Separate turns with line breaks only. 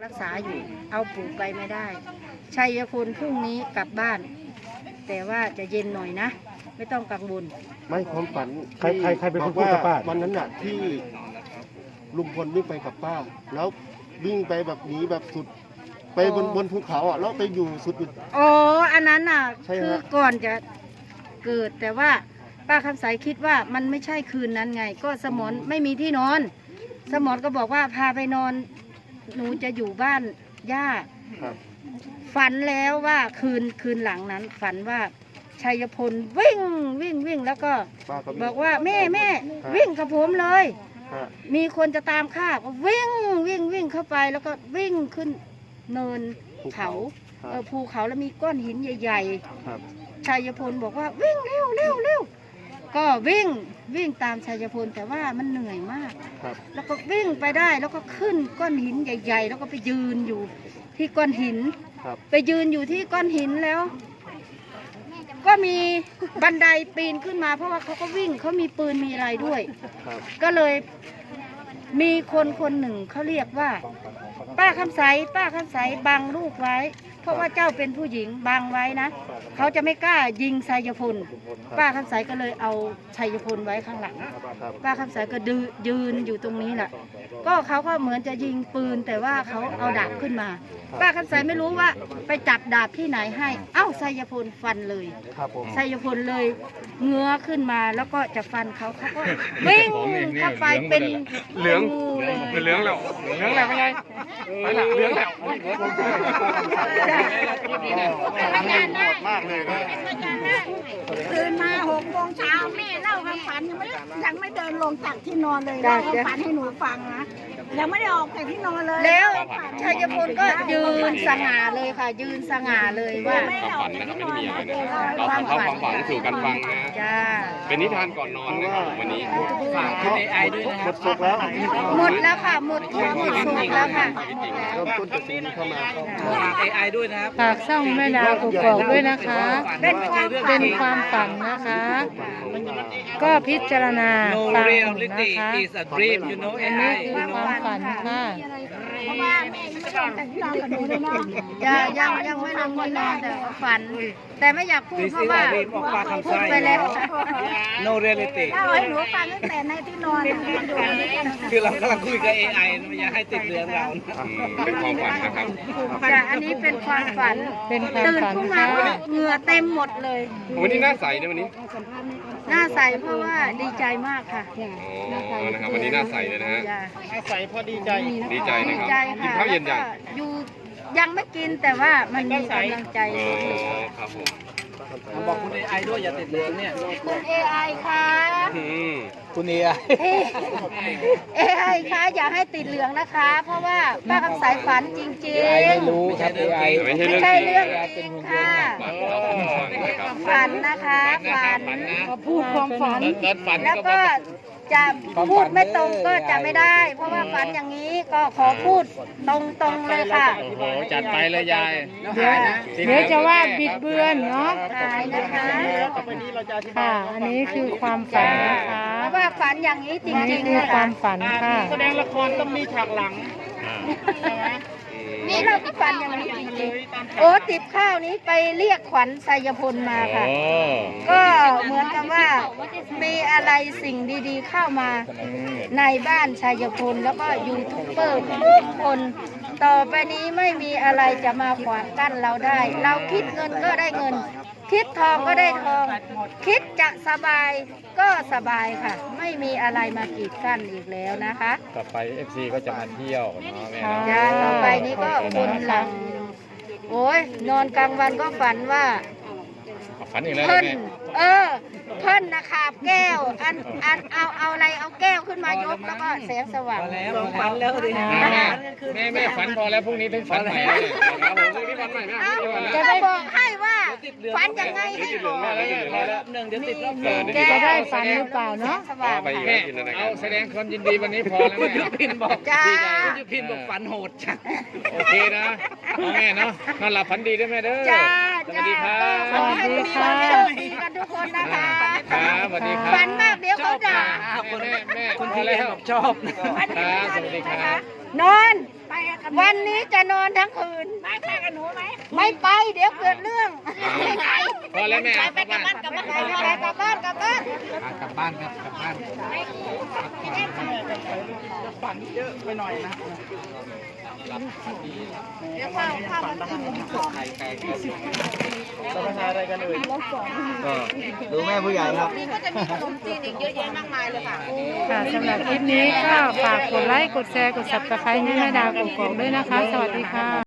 รักษาอยู่เอาปู่ไปไม่ได้ชัยพลพรุ่งนี้กลับบ้านแต่ว่าจะเย็นหน่อยนะไม่ต้องกังวล
ไม่ความฝัน
ใครเป็นคนพูดกับป้า
วันนั้นน่ะที่ลุงพลวิ่งไปกับป้าแล้ววิ่งไปแบบหนีแบบสุดไปบนภูเขาอ่ะแล้วไปอยู่สุด
อ๋ออันนั้นน่ะคือก่อนจะเกิดแต่ว่าป้าคำใสคิดว่ามันไม่ใช่คืนนั้นไงก็สมรไม่มีที่นอนสมรก็บอกว่าพาไปนอนหนูจะอยู่บ้านย่าฝันแล้วว่าคืนหลังนั้นฝันว่าชัยพลวิ่งแล้วก็บอกว่าแม่วิ่งกับผมเลยมีคนจะตามฆ่าก็วิ่งเข้าไปแล้วก็วิ่งขึ้นเนินเขาภูเขาแล้วมีก้อนหินใหญ่ๆชัยพลบอกว่าวิ่งเร็วก็วิ่งตามชัยพลแต่ว่ามันเหนื่อยมากแล้วก็วิ่งไปได้แล้วก็ขึ้นก้อนหินใหญ่ๆแล้วก็ไปยืนอยู่ที่ก้อนหินไปยืนอยู่ที่ก้อนหินแล้วก็มีบันไดปีนขึ้นมาเพราะว่าเขาก็วิ่งเขามีปืนมีอะไรด้วยก็เลยมีคนหนึ่งเขาเรียกว่าป้าคำใสบังลูกไว้เพราะว่าเจ้าเป็นผู้หญิงบังไว้นะเขาจะไม่กล้ายิงชัยพลป้าคำใสก็เลยเอาชัยพลไว้ข้างหลังป้าคำใสก็ยืนอยู่ตรงนี้แหละก็เขาก็เหมือนจะยิงปืนแต่ว่าเขาเอาดาบขึ้นมาป้าคำใสไม่รู้ว่าไปจับดาบที่ไหนให้เอ้าชัยพลฟันเลยชัยพลเลยเงื้อขึ้นมาแล้วก็จะฟันเขาก็วิ่งเข้าไปเป็น
เหลืองแล้วไม่ไงไปละเหลืองแล้ว
มากเลย
ตื่นมา6 โมงเช้าแม่เล่าความฝันยังไม่เดินลงจากที่นอนเลยเล่าความฝันให้หนูฟังนะยังไม่ได้ออกจากที่นอนเลย
แล้วชัยพลก็ยืนสง่าเลยค่ะยืนสง่าเลยว่า
ความฝันนะครับไม่มีอะไรนะเราความฝันสู่กันฟังนะเป็นนิทานก่อนนอนนะครับวันนี้
ฝากคุณAIด้วยนะครับ
หมดแล้วค่ะหมดสุกแล้วค่ะ
เริ่มต้นจากสิ่งนี้เข้ามา
ฝาก AI ด้วยนะครับ
ฝากช่องแม่ดาวกกอกด้วยนะคะเป็นความฝันนะคะก็พิจารณาฟังนะคะอันนี้คือความฝันค่ะ
เพราะว่าแม่ยังไม่ลงจากที่นอนกับหนูเลยเนาะ
ยังไม่ลงที่นอนแต่ฝันแต่ไม่อยากพูดเพราะว่าพูดไปแล้ว
No reality
เล่าให้หนูฟังตั้งแต่ในที่นอน
คือเรากำลังคุยกับ AI ไม่อยากให้ติดเรื่องเรา
เป็นความฝันนะครับ
แต่อันนี้เป็นความฝันตื่นขึ้นมาเหงื่อเต็มหมดเลย
วันนี้หน้าใสนะวันนี้
หน้าใสเพราะว่าดีใจมากค่ะ
นะครับวันนี้หน้าใสเลยนะฮะ
หน้าใสเพราะดีใจ
นะครับกินข้าวเย็น
ยังไม่กินแต่ว่ามันมีกำลังใจ
ครับผม
บอกคุณ AI ด้วยอย่าติดเรื่องเนี่ย
คุณ AI ค่ะ
คุณ AI
ค่ะอย่าให้ติดเหลืองนะคะเพราะว่าป้าคำสายฝันจริงๆ
ไม่รู้ครับ AI
ไม่ใช่เรื่องจริงค่ะฝันนะคะฝันพูดความฝันแล้วก็จะพูดไม่ตรงก็จะไม่ได้เพราะว่าฝันอย่างนี้ก็ขอพูดตรงเลยค่ะ
จัดไปเลยยาย
เดี๋ยวจะว่าบิดเบือนเนาะ
หายนะคะ
ค่ะอันนี้คือความฝันนะคะ
ว่าฝันอย่างนี้จริงๆ
คือความฝันค่ะ
แสดงละครต้องมีฉากหลัง
นี่เราก็ฝันอย่างนี้จริงๆโอ้ติบข้าวนี้ไปเรียกขวัญชัยพลมาค่ะก็เหมือนกับว่ามีอะไรสิ่งดีๆเข้ามาในบ้านชัยพลแล้วก็ยูทูบเบอร์ทุกคนต่อไปนี้ไม่มีอะไรจะมาขวางกั้นเราได้เราคิดเงินก็ได้เงินคิดทองก็ได้ทองคิดจะสบายก็สบายค่ะไม่มีอะไรมากีดกั้นอีกแล้วนะคะ
ต่อไป FC ก็จะมาเที่ยวเนาะแม่
ต่อไปนี้ก็คนหลังโอ้ยนอนกลางวันก็ฝันว่า
ฝันอีกแล้ว
เพิ่นนะขาบแก้วเอาอะไรเอาแก้วขึ้นมายกแล้วก็แสงสว่าง
ฝันแล้วดิ
แม่ฝันพอแล้วพรุ่งนี้ถึงฝันใหม่พรุ่งนี้ฝันใหม่
จะได้บอกให้ว่าฝันยังไงให้บอก
เดี๋ยวติดรอบ
จะได้ฝันหรือเปล่าเนาะ
เอาแสดงความยินดีวันนี้พอแล้ว
คุณยุพินบอกคุณยุพินบอกฝันโหดจัง
โอเคนะแม่เนาะนอนหลับฝันดีด้วยแม่เด้อสวัสดีครับ
สวัสดีค่ะกันทุกคนนะคะ
ครับสวัสดีครับ
ฝันมากเดี๋ยวเขาด่า
แม่คุณพี่บอกชอบ
ครับสวัสดีครับ
นอนไปกับวันนี้จะนอนทั้งคืน
ไม่ไปกับหนูไหม
ไม่ไป เดี๋ยวเกิดเรื่อง
พอแล้วแม่
ไปกลับบ้านกลับบ้าน
ไปกลับบ้านกลับบ้าน
กลับบ้านครับกลับบ้าน
เดี๋ยวข้าวมันกิน
ดูแม่ผู้ใหญ่ครับ
นี่ก็จะมีขนมจีนอีกเยอะแยะมากมายเลยค่ะ
ค่ะสำหรับคลิปนี้ก็ฝากกดไลค์ กดแชร์ กด subscribe ให้แม่ดาวกกอกด้วยนะคะ สวัสดีค่ะ